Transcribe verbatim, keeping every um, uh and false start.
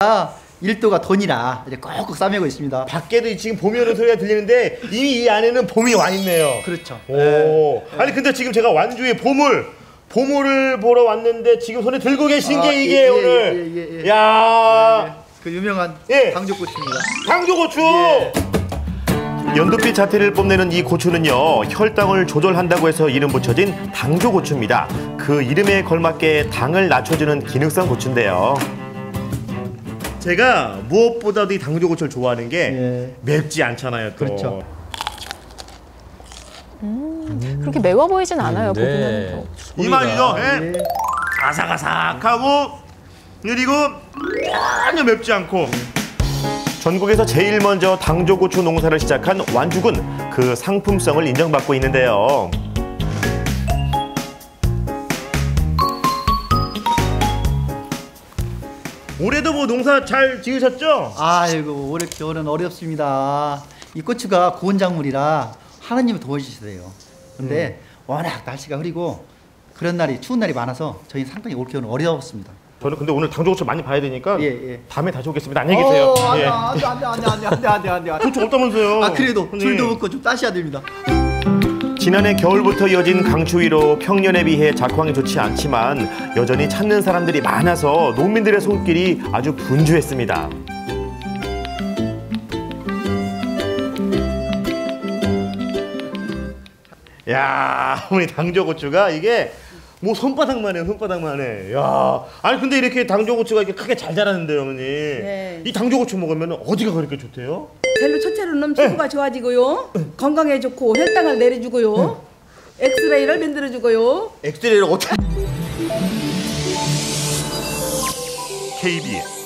일도가 돈이라 이제 꼭꼭 싸매고 있습니다. 밖에도 지금 봄이 오는 소리가 들리는데 이미 이 안에는 봄이 와 있네요. 그렇죠. 오. 네. 아니 근데 지금 제가 완주의 보물 보물을 보러 왔는데 지금 손에 들고 계신 아, 게 이게 예, 예, 오늘 예, 예, 예. 야 예, 예. 그 유명한 예. 당조고추입니다. 당조고추. 예. 연두빛 자태를 뽐내는 이 고추는요, 혈당을 조절한다고 해서 이름 붙여진 당조고추입니다. 그 이름에 걸맞게 당을 낮춰주는 기능성 고추인데요. 제가 무엇보다도 이 당조고추를 좋아하는 게 예. 맵지 않잖아요. 또. 그렇죠. 음, 그렇게 매워 보이진 않아요. 네. 보기는. 이 맛이죠. 예. 예. 아삭아삭하고 그리고 전혀 맵지 않고. 전국에서 제일 먼저 당조고추 농사를 시작한 완죽은 그 상품성을 인정받고 있는데요. 올해도 뭐 농사 잘 지으셨죠? 아이고 올해 겨울은 어렵습니다. 이 고추가 고운 작물이라 하나님이 도와주세요. 근데 음. 워낙 날씨가 흐리고 그런 날이 추운 날이 많아서 저희 상당히 올 겨울은 어려웠습니다. 저는 근데 오늘 당조고추 많이 봐야 되니까 예, 예. 다음에 다시 오겠습니다. 안녕히 계세요. 어, 안돼 예. 안돼 안돼 안돼 안돼 안돼 안돼 안돼. 고추 없다면서요? 아 그래도 형님. 줄도 먹고 좀 따셔야 됩니다. 지난해 겨울부터 이어진 강추위로 평년에 비해 작황이 좋지 않지만 여전히 찾는 사람들이 많아서 농민들의 손길이 아주 분주했습니다. 야, 우리 당조고추가 이게 뭐 손바닥만 해요, 손바닥만 해. 야, 아니 근데 이렇게 당조고추가 이렇게 크게 잘 자라는데요, 어머니. 네. 이 당조고추 먹으면 어디가 그렇게 좋대요? 젤로 첫째로는 피부가 좋아지고요, 건강에 좋고 혈당을 내려주고요, 엑스레이를 만들어주고요. 엑스레이를 어떻게? 케이비에스